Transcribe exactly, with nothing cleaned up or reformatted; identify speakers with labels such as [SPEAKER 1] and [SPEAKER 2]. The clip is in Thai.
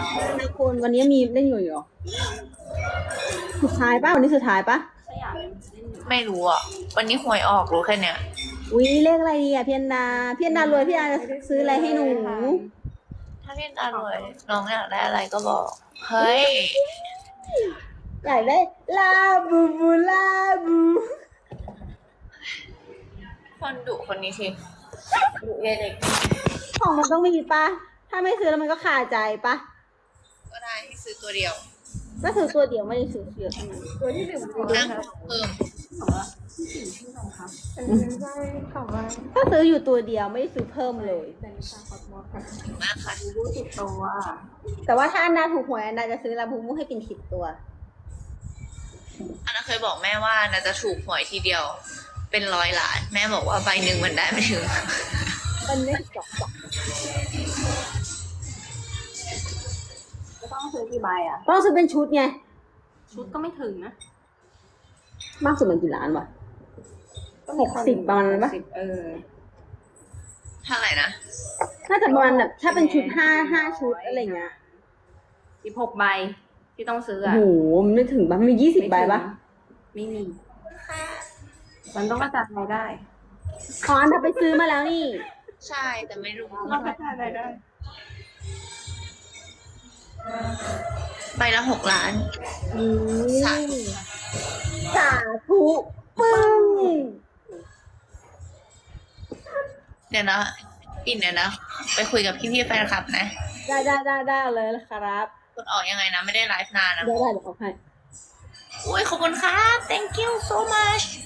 [SPEAKER 1] นะคุณวันนี้มีเล่นอยู่เหรอสุดท้ายป่ะวันนี้สุดท้ายป่ะ
[SPEAKER 2] ไม่รู้อ่ะ วันนี้หวยออกรู้แค่เนี้ย
[SPEAKER 1] อุ้ยเลขอะไรดีอ่ะพี่อันดาพี่อันดารวยพี่อันดาจะซื้ออะไรให้หนู
[SPEAKER 2] ถ้าพี่อร่อยน้องอยากได้อะไรก็บอก เฮ้ย
[SPEAKER 1] อยากได้ลาบูบูลาบู
[SPEAKER 2] คนดุคนนี้ทีดุเย็นเด็ก
[SPEAKER 1] ของมันต้องมีป่ะถ้าไม่ซื้อแล้วมันก็คาใจป่ะ
[SPEAKER 2] ก็ได้ให้ซื้อตัวเดียว
[SPEAKER 1] ก็ซื้อตัวเดียวไม่ได้ซื้อเยอะขนาดนั้น
[SPEAKER 3] ตัวที่หนึ่งตัว
[SPEAKER 2] นั่ง
[SPEAKER 3] นะ
[SPEAKER 2] เพิ่ม
[SPEAKER 3] เป็นใช่ค่ะว่า
[SPEAKER 1] ก็ซื้ออยู่ตัวเดียวไม่ได้ซื้อเพิ่มเลย
[SPEAKER 3] เป็นชาคอสมอสค่ะ
[SPEAKER 2] มากค่ะ
[SPEAKER 3] รู้ติดตัว
[SPEAKER 1] แต่ว่าถ้าอันดาถูกหวยอันดาจะซื้อลาบูบูให้กินสิบตัว
[SPEAKER 2] อันนั้นเคยบอกแม่ว่าน่าจะถูกหวยทีเดียว เป็นร้อยล้าน แม่บอกว่าใบหนึ่งมันได้ไม่ถึง
[SPEAKER 1] มันไม่จบ
[SPEAKER 3] จะต้องซื้อกี่ใบอ่ะ
[SPEAKER 1] ต้องซื้อเป็นชุดไง
[SPEAKER 3] ชุดก็ไม่ถึงนะ
[SPEAKER 1] มากสุดมันกี่ล้านวะ หกสิบประมาณนั้นปะ
[SPEAKER 3] หกสิบเออ
[SPEAKER 2] เท่าไหร่นะ
[SPEAKER 1] น่าจะประมาณแบบถ้าเป็นชุดห้าห้าชุดอะไรเงี้ย
[SPEAKER 3] สิบหกใบที่ต้องซื้อ
[SPEAKER 1] โอ้
[SPEAKER 3] อ่ะ
[SPEAKER 1] โหมันไม่ถึงปะมียี่สิบใบปะ
[SPEAKER 3] ไม่มี มันต้องกระจายรายได้
[SPEAKER 1] อ๋ออันดาไปซื้อมาแล้วนี่
[SPEAKER 2] ใช่ แต่ไม่รู้
[SPEAKER 3] ต้องกระจายรายได้
[SPEAKER 2] ใบละหกล้าน
[SPEAKER 1] อื
[SPEAKER 2] สาธุ
[SPEAKER 1] มสาธุปึ้ง
[SPEAKER 2] เดี๋ยวนะปิ่นเดี๋ยวนะ ไปคุยกับพี่ๆแฟนคลับนะ
[SPEAKER 1] ได้ได้ได้ได้เลยครับ
[SPEAKER 2] กดออกยังไงนะ ไม่ได้ไลฟ์นานนะ
[SPEAKER 1] ได้ได้เดี๋ยวเอาให้
[SPEAKER 2] อุ้ยขอบคุณครับ thank you so much